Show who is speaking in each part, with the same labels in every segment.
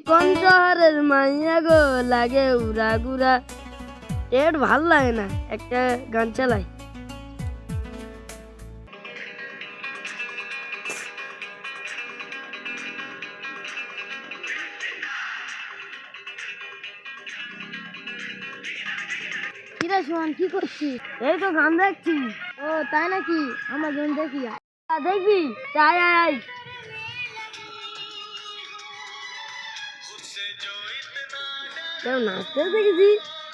Speaker 1: কোন শহরের মাইয়া গো লাগে উড়া গুড়া। এর ভাল লাগে না, একটা গান চালাই। কিরে সোহান, কি করছিস? এই তো গান দেখছি। ও তাই নাকি? আমার জন্য দেখি। দেখবি? আয় আয় আয়। কেউ নাচতে দেখেছি।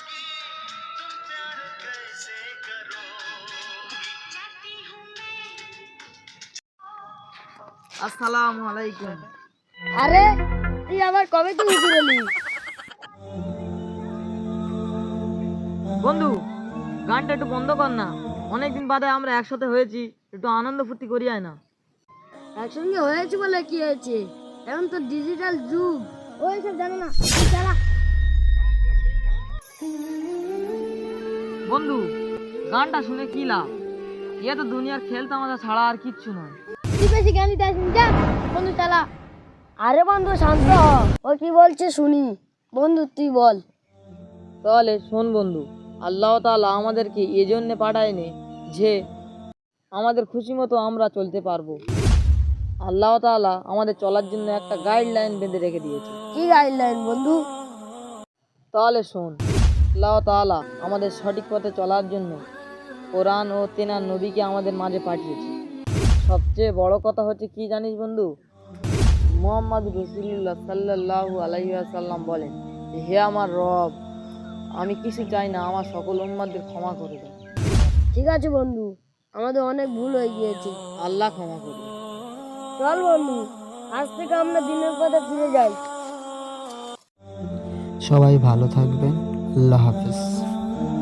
Speaker 2: আসসালামু আলাইকুম।
Speaker 1: আরে তুই আবার কবে তুই বেরোলি?
Speaker 2: বন্ধু, গানটা একটু বন্ধ কর না। অনেকদিন বাদে আমরা একসাথে হয়েছি, একটু আনন্দ ফুর্তি করি আয় না।
Speaker 1: একসঙ্গে হয়েছে বলে কি হয়েছে? এখন তো ডিজিটাল যুগ, ওই সব জানো না। তুই চালা।
Speaker 2: বন্ধু, গানটা শুনে কি লাভ? এ তো দুনিয়ার খেল তামাশা ছাড়া আর কিচ্ছু নয়।
Speaker 1: তুই বেশি জ্ঞান দিতে আসিস যা। বন্ধু চালা। আরে বন্ধু শান্ত হ, ও কি বলছে শুনি। বন্ধু তুই বল।
Speaker 2: তাহলে শোন বন্ধু, আল্লাহ তাআলা আমাদেরকে এজন্য পাঠায়নি যে আমাদের খুশি মতো আমরা চলতে পারবো। আল্লাহ তাআলা আমাদের চলার জন্য একটা গাইডলাইন বেঁধে রেখে দিয়েছে।
Speaker 1: কি গাইডলাইন বন্ধু?
Speaker 2: তাহলে শোন, আল্লাহ তাআলা আমাদের সঠিক পথে চলার জন্য কোরআন ও তেনার নবীকে আমাদের মাঝে পাঠিয়েছে। সবচেয়ে বড় কথা হচ্ছে কি জানিস বন্ধু? মুহাম্মদ রাসূলুল্লাহ সাল্লাল্লাহু আলাইহি ওয়াসাল্লাম বলেন, হে আমার রব, আমি কিছু চাই না, আমার সকল উম্মতদের ক্ষমা করে দাও।
Speaker 1: ঠিক আছে বন্ধু, আমাদের অনেক ভুল হয়ে গিয়েছে।
Speaker 2: আল্লাহ ক্ষমা করবে।
Speaker 1: চল বন্ধু, আজ থেকে আমরা দিনের পথে ফিরে যাই।
Speaker 3: সবাই ভালো থাকবেন। আল্লাহ হাফেজ।